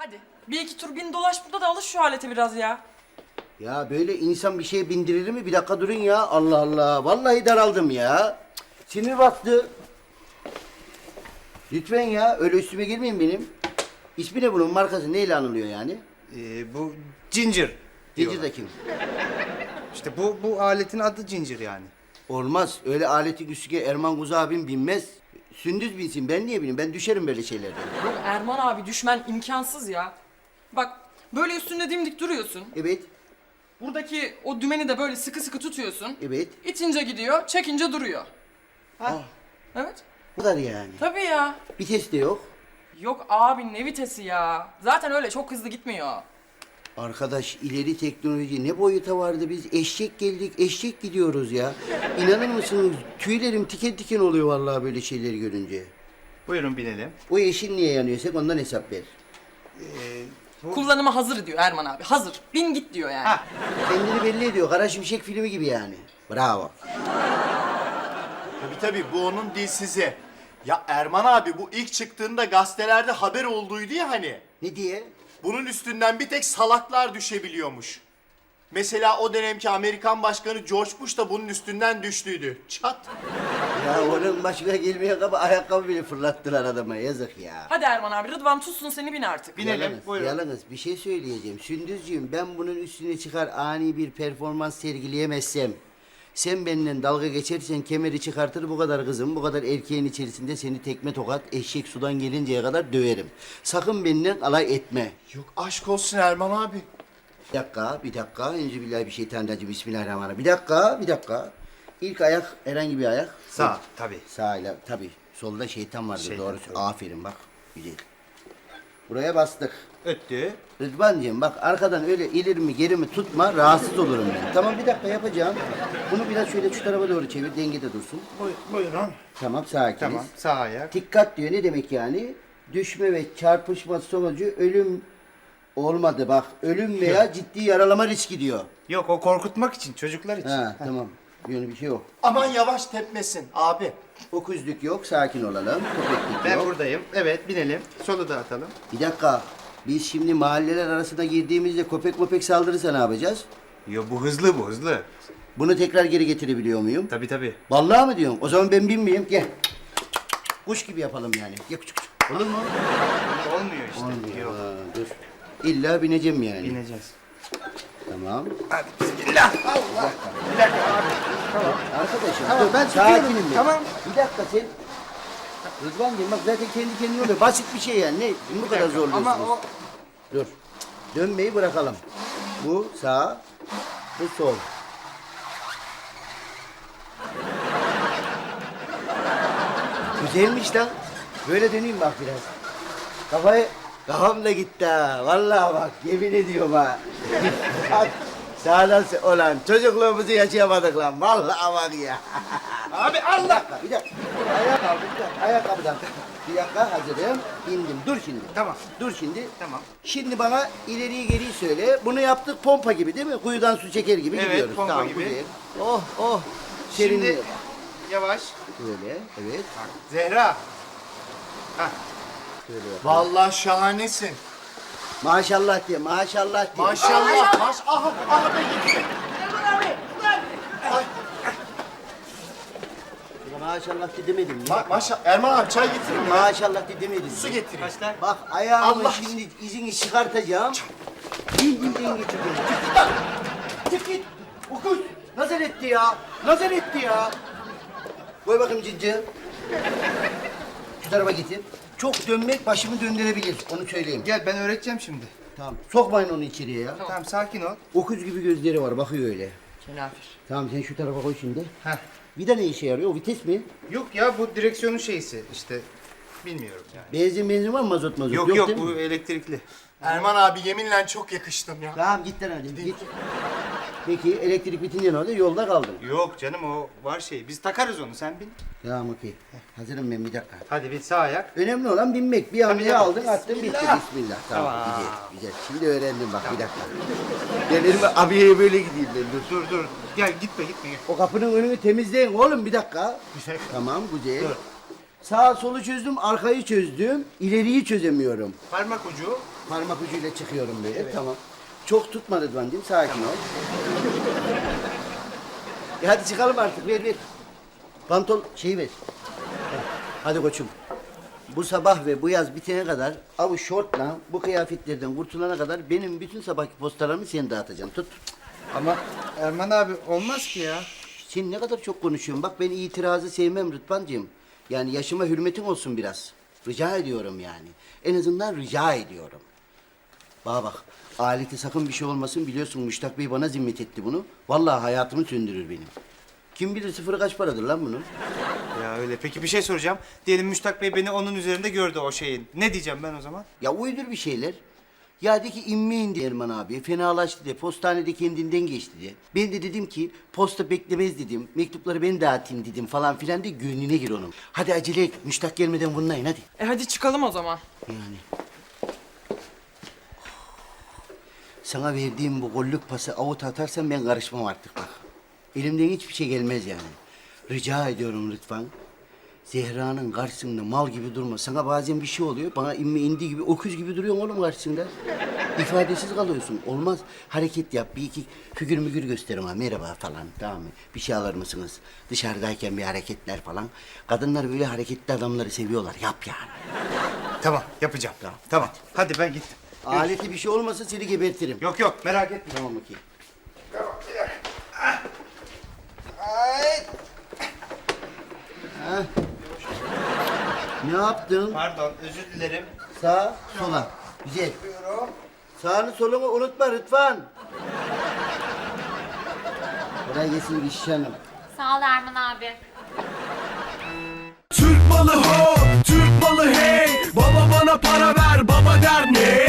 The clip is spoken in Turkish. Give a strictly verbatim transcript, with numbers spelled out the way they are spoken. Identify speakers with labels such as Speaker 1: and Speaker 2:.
Speaker 1: Hadi bir iki tur bin dolaş burada da alış şu alete biraz ya.
Speaker 2: Ya böyle insan bir şeye bindirir mi? Bir dakika durun ya. Allah Allah. Vallahi daraldım ya. Sinir bastı. Lütfen ya. Öyle üstüme girmeyin benim. İsmi ne bunun? Markası neyle anılıyor yani?
Speaker 3: Ee, bu Ginger diyorlar.
Speaker 2: Ginger de kim?
Speaker 3: İşte bu bu aletin adı Ginger yani.
Speaker 2: Olmaz. Öyle aleti güçlüge Erman Kuzu abim binmez. Sündüz binsin. Ben niye bineyim? Ben düşerim böyle şeylerden.
Speaker 1: Yok Erman abi düşmen imkansız ya. Bak böyle üstünde dimdik duruyorsun.
Speaker 2: Evet.
Speaker 1: Buradaki o dümeni de böyle sıkı sıkı tutuyorsun.
Speaker 2: Evet.
Speaker 1: İtince gidiyor, çekince duruyor. Ha?
Speaker 2: Ah.
Speaker 1: Evet.
Speaker 2: Bu kadar yani.
Speaker 1: Tabii ya.
Speaker 2: Vites de yok.
Speaker 1: Yok abi ne vitesi ya. Zaten öyle çok hızlı gitmiyor.
Speaker 2: Arkadaş ileri teknoloji ne boyuta vardı biz eşek geldik eşek gidiyoruz ya. İnanır mısınız tüylerim tiken tiken oluyor vallahi böyle şeyleri görünce.
Speaker 3: Buyurun binelim.
Speaker 2: O yeşil niye yanıyorsak ondan hesap ver.
Speaker 3: Ee, bu...
Speaker 1: Kullanıma hazır diyor Erman abi. Hazır. Bin git diyor yani.
Speaker 3: Ha,
Speaker 2: Kendini belli ediyor Kara Şimşek filmi gibi yani. Bravo.
Speaker 4: Tabii tabii bu onun dilsizi. Ya Erman abi bu ilk çıktığında gazetelerde haber olduydu ya hani.
Speaker 2: Ne diye?
Speaker 4: Bunun üstünden bir tek salaklar düşebiliyormuş. Mesela o dönemki Amerikan Başkanı George Bush da bunun üstünden düştüydü. Çat.
Speaker 2: Ya onun başına gelmeye kaba ayakkabı bile fırlattılar adama yazık ya.
Speaker 1: Hadi Erman abi Rıdvan tutsun seni bin artık.
Speaker 3: Binelim,
Speaker 2: Yalnız,
Speaker 3: buyurun.
Speaker 2: yalnız bir şey söyleyeceğim. Sündüzcüğüm ben bunun üstüne çıkar ani bir performans sergileyemezsem... Sen benimle dalga geçersen kemeri çıkartır bu kadar kızım, bu kadar erkeğin içerisinde seni tekme tokat eşek sudan gelinceye kadar döverim. Sakın benimle alay etme.
Speaker 4: Yok aşk olsun Erman abi.
Speaker 2: Bir dakika, bir dakika. Enzübillahi bir şeytanirracim. Bismillahirrahmanirrahim. Bir dakika, bir dakika. İlk ayak herhangi bir ayak.
Speaker 3: Sağ tabii.
Speaker 2: Sağıyla tabii. Solda şeytan vardır
Speaker 3: Şeytan,
Speaker 2: doğrusu.
Speaker 3: tabii.
Speaker 2: Aferin bak. Güzel. Buraya bastık.
Speaker 3: Öttü.
Speaker 2: Rıdvancığım bak arkadan öyle ileri mi geri mi tutma rahatsız olurum ben. Tamam bir dakika yapacağım. Bunu biraz şöyle şu tarafa doğru çevir dengede dursun.
Speaker 3: Buyurun.
Speaker 2: Tamam sakiniz.
Speaker 3: Tamam, sağ ayak.
Speaker 2: Dikkat diyor ne demek yani? Düşme ve çarpışma sonucu ölüm olmadı bak. Ölüm veya ciddi yaralama riski diyor.
Speaker 3: Yok o korkutmak için, çocuklar için.
Speaker 2: Ha tamam. Böyle bir şey yok.
Speaker 4: Aman yavaş tepmesin abi.
Speaker 2: Okuzluk yok, sakin olalım. Köpeklik
Speaker 3: Ben
Speaker 2: yok.
Speaker 3: buradayım. Evet, binelim. Solu da atalım.
Speaker 2: Bir dakika. Biz şimdi mahalleler arasında girdiğimizde köpek möpek saldırırsa ne yapacağız?
Speaker 3: Yo bu hızlı bu, hızlı.
Speaker 2: Bunu tekrar geri getirebiliyor muyum?
Speaker 3: Tabii tabii.
Speaker 2: Vallahi mi diyorsun? O zaman ben binmeyeyim. Gel. Kuş gibi yapalım yani. Gel küçük küçük. Olur mu?
Speaker 3: Olmuyor işte.
Speaker 2: Olmuyor.
Speaker 3: Yok.
Speaker 2: Ha, dur. İlla bineceğim yani.
Speaker 3: Bineceğiz.
Speaker 2: Tamam.
Speaker 3: Hadi bismillah. Allah. Bir dakika abi. Tamam.
Speaker 2: Arkadaşım
Speaker 3: Tamam,
Speaker 2: dur,
Speaker 3: ben
Speaker 2: sakinim
Speaker 3: tutuyorum.
Speaker 2: ben.
Speaker 3: Tamam.
Speaker 2: Bir dakika sen. Rıdvan'cığım bak zaten kendi kendine oluyor. Basit bir şey yani. Ne bu kadar zorluyorsunuz?
Speaker 3: Ama o...
Speaker 2: Dur. Dönmeyi bırakalım. Bu sağ, bu sol. Güzelmiş lan. Böyle döneyim bak biraz. Kafayı, kafam da gitti ha. Vallahi bak yemin ediyorum ha. Bak, sağdan se- olan çocukluğumuzu yaşayamadık lan. Vallahi bak ya.
Speaker 3: Abi Allah!
Speaker 2: Bir dakika. Ayakkabı, bir dakika. Ayakkabıdan. Bir dakika hazırım. İndim. Dur şimdi.
Speaker 3: Tamam.
Speaker 2: Dur şimdi.
Speaker 3: Tamam.
Speaker 2: Şimdi bana ileriyi geriyi söyle. Bunu yaptık pompa gibi değil mi? Kuyudan su çeker gibi
Speaker 3: Evet,
Speaker 2: gidiyoruz.
Speaker 3: pompa
Speaker 2: tamam,
Speaker 3: gibi.
Speaker 2: güzel. Oh oh.
Speaker 3: Şimdi
Speaker 2: Serinliyor.
Speaker 3: yavaş.
Speaker 2: Böyle evet.
Speaker 3: Bak, Zehra. Hah.
Speaker 2: Şöyle yap.
Speaker 4: Vallahi şahanesin.
Speaker 2: Maşallah diye maşallah diye.
Speaker 4: Maşallah. Maş aha aha be gitti.
Speaker 2: Maşallah diye demedim mi?
Speaker 4: Ma maşa Erman abi çay getirin mi?
Speaker 2: Maşallah diye demedim mi?
Speaker 4: Su getireyim.
Speaker 3: Kaçlar?
Speaker 2: Bak ayağımı
Speaker 4: Allah-
Speaker 2: şimdi izini çıkartacağım. Bildiğin getireceğim. Çık git lan. Çık git. Okuz. Nazar etti ya. Nazar etti ya. Koy bakayım cincı. Şu tarafa getir. Çok dönmek başımı döndürebilir. Onu söyleyeyim.
Speaker 3: Gel ben öğreteceğim şimdi.
Speaker 2: Tamam. Sokmayın onu içeriye ya.
Speaker 3: Tamam sakin ol.
Speaker 2: Okuz gibi gözleri var. Bakıyor öyle.
Speaker 1: Kenafir.
Speaker 2: Tamam sen şu tarafa koy şimdi.
Speaker 3: Heh.
Speaker 2: Vida ne işe yarıyor? O vites mi?
Speaker 3: Yok ya bu direksiyonun şeysi işte bilmiyorum yani.
Speaker 2: Benzin benzin var mı mazot mazot?
Speaker 3: Yok yok,
Speaker 2: değil
Speaker 3: bu
Speaker 2: mi?
Speaker 3: elektrikli.
Speaker 4: Erman abi yeminle çok yakıştım ya.
Speaker 2: Tamam git lan hadi git. Peki elektrik bitince ne oldu? Yolda kaldım.
Speaker 3: Yok canım o var şey. Biz takarız onu sen bin.
Speaker 2: Tamam okey. Hazırım ben bir dakika.
Speaker 3: Hadi bir sağ ayak.
Speaker 2: Önemli olan binmek. Bir hamleye
Speaker 3: tabii.
Speaker 2: aldın attın bitti. Bismillah. Tamam,
Speaker 3: Tamam.
Speaker 2: güzel güzel. Şimdi öğrendim bak bir dakika. Gelirim abiye böyle gideyim ben dur.
Speaker 3: Dur dur. Gel gitme gitme gel.
Speaker 2: O kapının önünü temizleyin oğlum bir dakika.
Speaker 3: Güzel.
Speaker 2: Tamam güzel.
Speaker 3: Dur.
Speaker 2: Sağ solu çözdüm, arkayı çözdüm. İleriyi çözemiyorum.
Speaker 3: Parmak ucu
Speaker 2: Parmak ucuyla çıkıyorum böyle. Tamam. Çok tutma Rıdvan'cığım. Sakin ol. E hadi çıkalım artık. Ver ver. Pantol şeyi ver. Heh, hadi koçum. Bu sabah ve bu yaz bitene kadar av şortla bu kıyafetlerden kurtulana kadar benim bütün sabahki postalarımı sen dağıtacaksın. Tut.
Speaker 3: Ama Erman abi olmaz ki ya.
Speaker 2: Sen ne kadar çok konuşuyorsun. Bak ben itirazı sevmem Rıdvan'cığım. Yani yaşıma hürmetin olsun biraz. Rica ediyorum yani. En azından rica ediyorum. Bana bak. Alete sakın bir şey olmasın. Biliyorsun Müştak Bey bana zimmet etti bunu. Vallahi hayatımı söndürür benim. Kim bilir sıfırı kaç paradır lan bunun?
Speaker 3: Ya öyle. Peki bir şey soracağım. Diyelim Müştak Bey beni onun üzerinde gördü o şeyin. Ne diyeceğim ben o zaman?
Speaker 2: Ya uydur bir şeyler. Ya de ki inmeyin de Erman abi. Fenalaştı de. Postanede kendinden geçti de. Ben de dedim ki posta beklemez dedim. Mektupları ben dağıtayım dedim falan filan de gönlüne gir onun. Hadi acele et. Müştak gelmeden bunlayın hadi.
Speaker 1: E hadi çıkalım o zaman.
Speaker 2: Yani. Sana verdiğim bu gollük pası avuta atarsan ben karışmam artık bak. Elimden hiçbir şey gelmez yani. Rica ediyorum lütfen. Zehra'nın karşısında mal gibi durma. Sana bazen bir şey oluyor. Bana inme indi gibi, öküz gibi duruyorsun oğlum karşısında. İfadesiz kalıyorsun. Olmaz. Hareket yap. Bir iki figür mügür gösterim ha. Merhaba falan. Tamam mı? Bir şey alır mısınız? Dışarıdayken bir hareketler falan. Kadınlar böyle hareketli adamları seviyorlar. Yap yani.
Speaker 3: Tamam yapacağım. Tamam. Tamam. Hadi ben gittim.
Speaker 2: Aleti bir şey olmasa seni gebertirim.
Speaker 3: Yok yok merak etme.
Speaker 2: Tamam bakayım. Ha. Ne yaptın?
Speaker 3: Pardon özür dilerim.
Speaker 2: Sağ, sola. Güzel. Sağını solunu unutma Rıdvan. Kolay gelsin Gülşah Hanım.
Speaker 5: Sağ ol Erman abi.
Speaker 6: Türk malı ho, Türk malı hey. Baba bana para ver, baba der ne?